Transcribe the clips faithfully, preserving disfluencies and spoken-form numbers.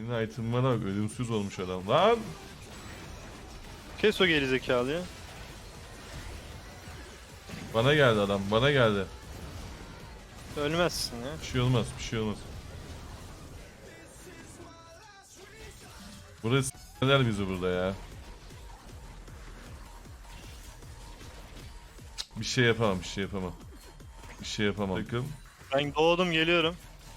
Senin item'ına bak, ölümsüz olmuş adam lan. Kes o gerizekalı ya. Bana geldi adam, bana geldi. Ölmezsin ya. Bir şey olmaz, bir şey olmaz. Burası s**ler bizi burada ya. Bir şey yapamam, bir şey yapamam. Bir şey yapamam. Bakın. Ben doğdum geliyorum.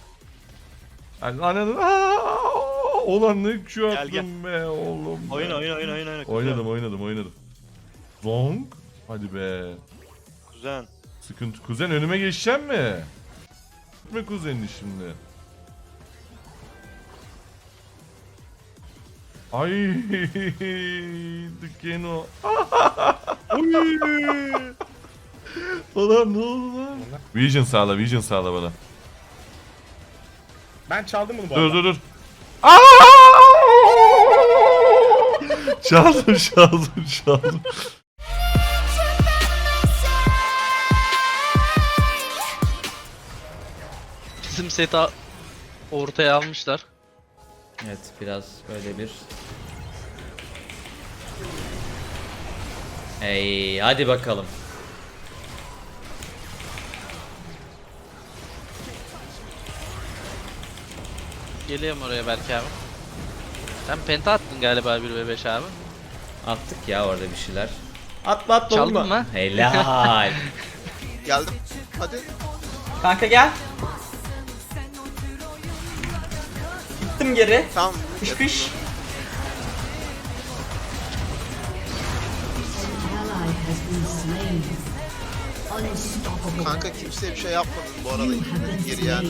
Ananı olan ne Q Gel, attım be oğlum. Oyun be. oyun oyun oyun oyun. Oynadım, oynadım, oynadım. Long. Hadi be. Kuzen. Sıkıntı. Kuzen önüme geçeceğim mi? Gitme kuzenini şimdi. Ay, Dükeno. Ulan ne oldu lan? Vision sağla, Vision sağla bana. Ben çaldım bunu bu Dur arada. dur dur. Aa! Çaldım, çaldım, çaldım. Bizim seti ortaya almışlar. Evet, biraz böyle bir... Hey, hadi bakalım. Geliyorum oraya belki abi. Sen penta attın galiba bir ve beş abi. Attık ya orada bir şeyler. Atma atma Çaldın vurma. mı? Helal. Geldim. Hadi. Kanka gel. Gittim geri. Tamam. Kış kış. Kanka kimseye bir şey yapmadın bu arada. Geri yani.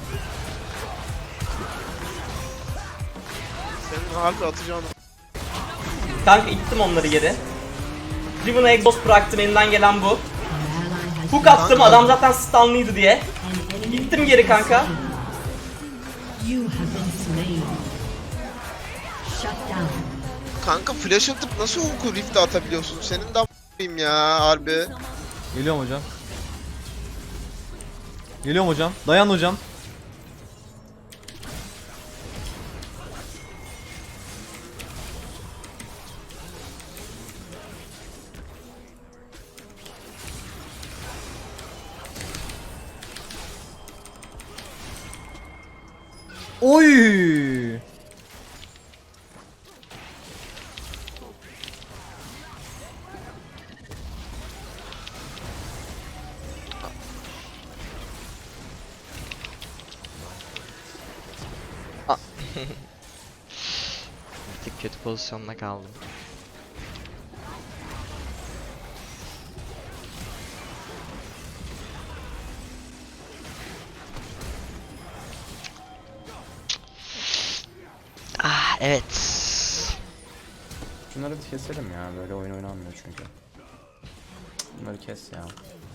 Senin harbi atacağın. Kanka ittim onları geri. Riven'a exhaust bıraktım, elinden gelen bu. Hook attım, adam zaten stunlıydı diye. Gittim geri kanka. Kanka flash atıp nasıl oku rift'e atabiliyorsun? Senin de a**ayım ya harbi. Geliyorum hocam. Geliyorum hocam. Dayan hocam. Oy! Bir kötü pozisyonda kaldım. Ah evet. Şunları bir keselim ya, böyle oyun oynanmıyor çünkü. Bunları kes ya.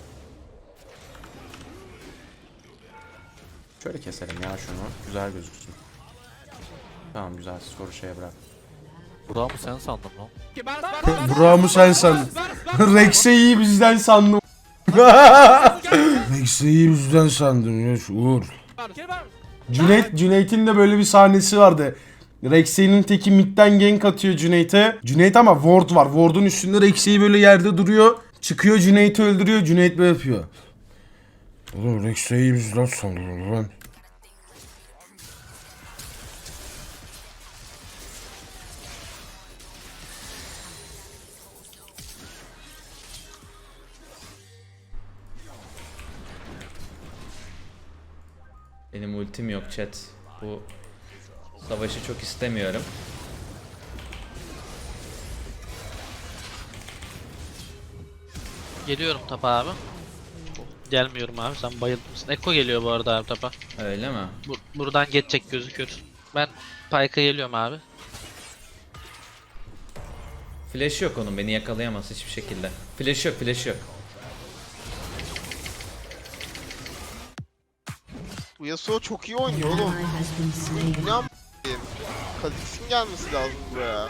Şöyle keselim ya şunu, güzel gözüksün. Tamam güzel, skoru şeye bırak. Burak'ı mı sen sandın lan? Burak'ı sen sandın. Rex'i bizden sandım. Rex'i bizden sandım ya şu Uğur. Cüneyt, Cüneyt'in de böyle bir sahnesi vardı. Rex'in teki midden gank atıyor Cüneyt'e. Cüneyt ama ward var. Ward'un üstünde Rex'i böyle yerde duruyor. Çıkıyor Cüneyt'i öldürüyor. Cüneyt böyle yapıyor. Oğlum Rex'i bizden sandım lan. Benim ultim yok chat. Bu savaşı çok istemiyorum. Geliyorum tapa abi. Gelmiyorum abi, sen bayılmışsın. Eko geliyor bu arada abi tapa. Öyle mi? Bur buradan geçecek gözüküyor. Ben Pyke'a geliyorum abi. Flash yok onun, beni yakalayamaz hiçbir şekilde. Flash yok, flash yok. Bu Yasuo çok iyi oynuyor oğlum. Bu ne a**ayım? Kha'Zix'in gelmesi lazım buraya.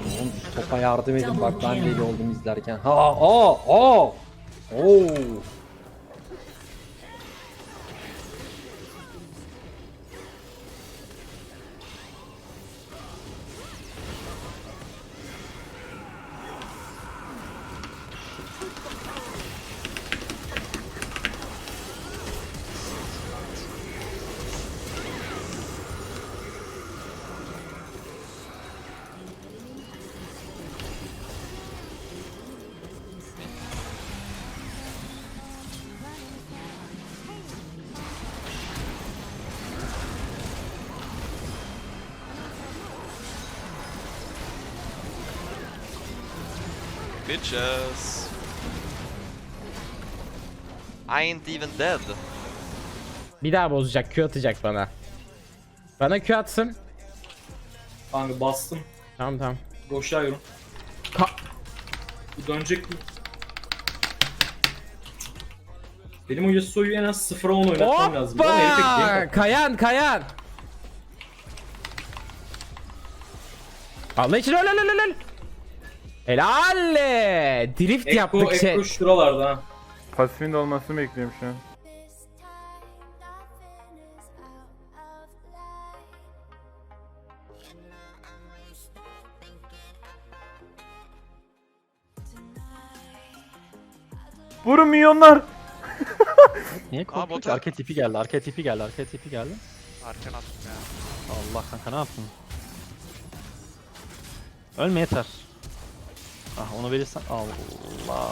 Topa yardım edin bak, ben deli oldum izlerken. Ha aa aa. Oo. bitches. I ain't even dead. Bir daha bozacak, Q atacak bana. Bana Q atsın. Kanka bastım. Tamam tamam. Boşluyorum. Ka Bu dönecek mi? Benim o Yasuo'yu en az sıfıra on oynatmam lazım. Ama herif tek game Hoppa! Kayan, Kayan. Allah için öl öl öl öl. Helal. Drift Ekko, yaptık şey. Ekko şuralarda ha. Pasifin de olmasını bekliyorum şu an. Vurun milyonlar. Niye korktun ki? Arka tipi geldi, arka tipi geldi, arka tipi geldi. Arkan attım ya. Allah kanka ne yaptın? Ölme yeter. Ah onu verirsen Allah.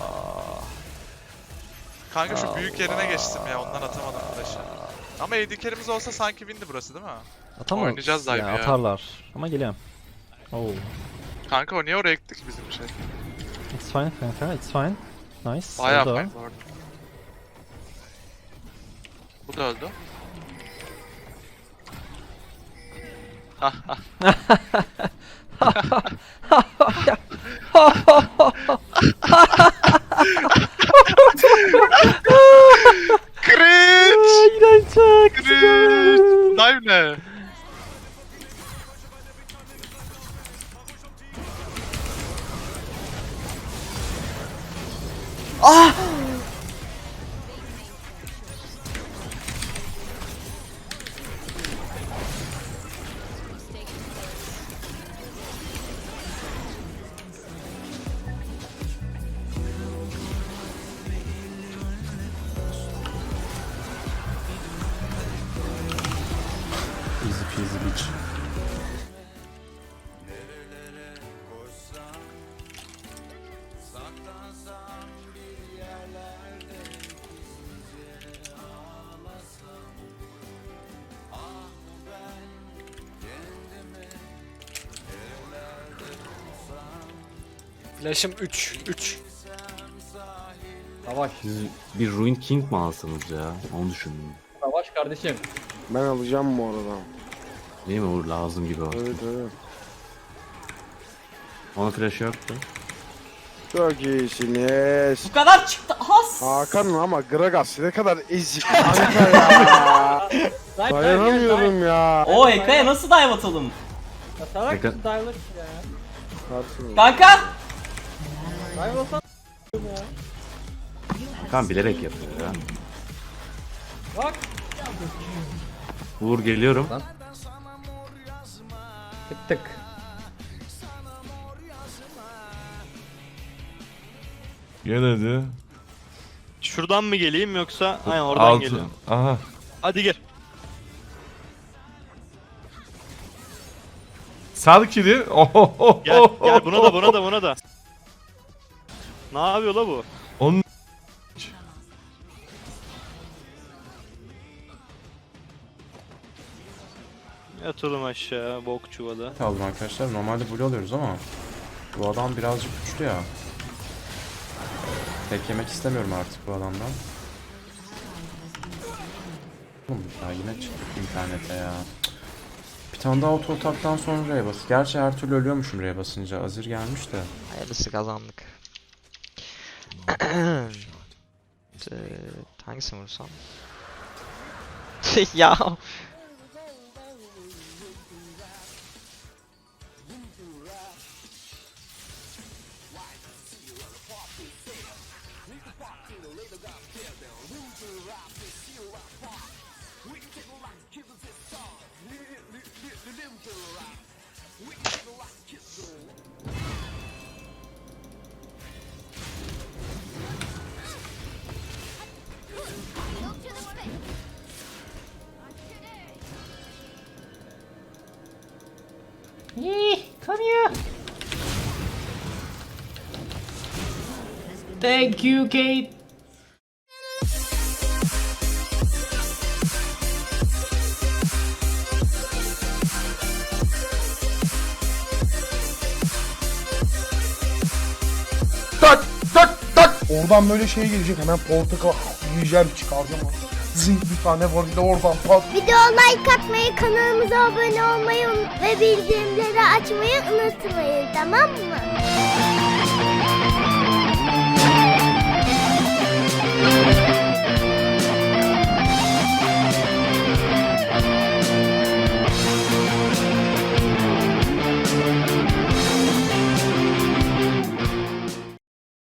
Kanka şu büyük yerine geçtim ya ondan atamadım flash'ı. Ama A D carry'miz olsa sanki windi burası değil mi? Atamam. Oynayacağız dive ya. Atarlar. Ama geliyorum. Oo. Kanka o niye oraya gittik bizim şey? It's fine kanka, it's fine. Nice. Bayağı Oldu. fine bu arada. Bu da öldü. Cringe! Cringe! Dive ne? Easy peasy bitch. Flash'ım üç, üç. Savaş. Siz bir Ruin King mi alsanız ya? Onu düşündüm. Savaş kardeşim. Ben alacağım bu arada. Değil mi Uğur? Lazım gibi o. Evet evet. Ona flash yoktu. Çok iyisiniz. Bu kadar çıktı. Has. Hakan ama Gragas ne kadar ezik kanka ya. Dayanamıyorum ya. O Ekko'ya nasıl dive atalım? Atarak Tekrar- dive'lık ya. Kanka. Dive olsan Hakan bilerek yapıyor ya. bak. Uğur geliyorum. Tık tık. Gel hadi. Şuradan mı geleyim yoksa? Aynen oradan Altı. geliyorum. Aha. Hadi gel. Sal kili. Ohohoho. Gel gel buna da buna da buna da. Ne yapıyor la bu? Onun Yatırım aşağı bok çuvalı. Aldım arkadaşlar. Normalde blue alıyoruz ama bu adam birazcık güçlü ya. Tek yemek istemiyorum artık bu adamdan. Oğlum ya yine çıktık internete ya. Bir tane daha auto ataktan sonra R'ye bas. Gerçi her türlü ölüyormuşum R'ye basınca. Azir gelmiş de. Hayırlısı kazandık. Eee, hangisini vursam? Ya. Come here. Thank you, Kate. Oradan böyle şey gelecek, hemen portakal yiyeceğim, çıkaracağım. Zing bir tane var, bir de oradan pat. Video like atmayı, kanalımıza abone olmayı ve bildirimleri açmayı unutmayın, tamam mı?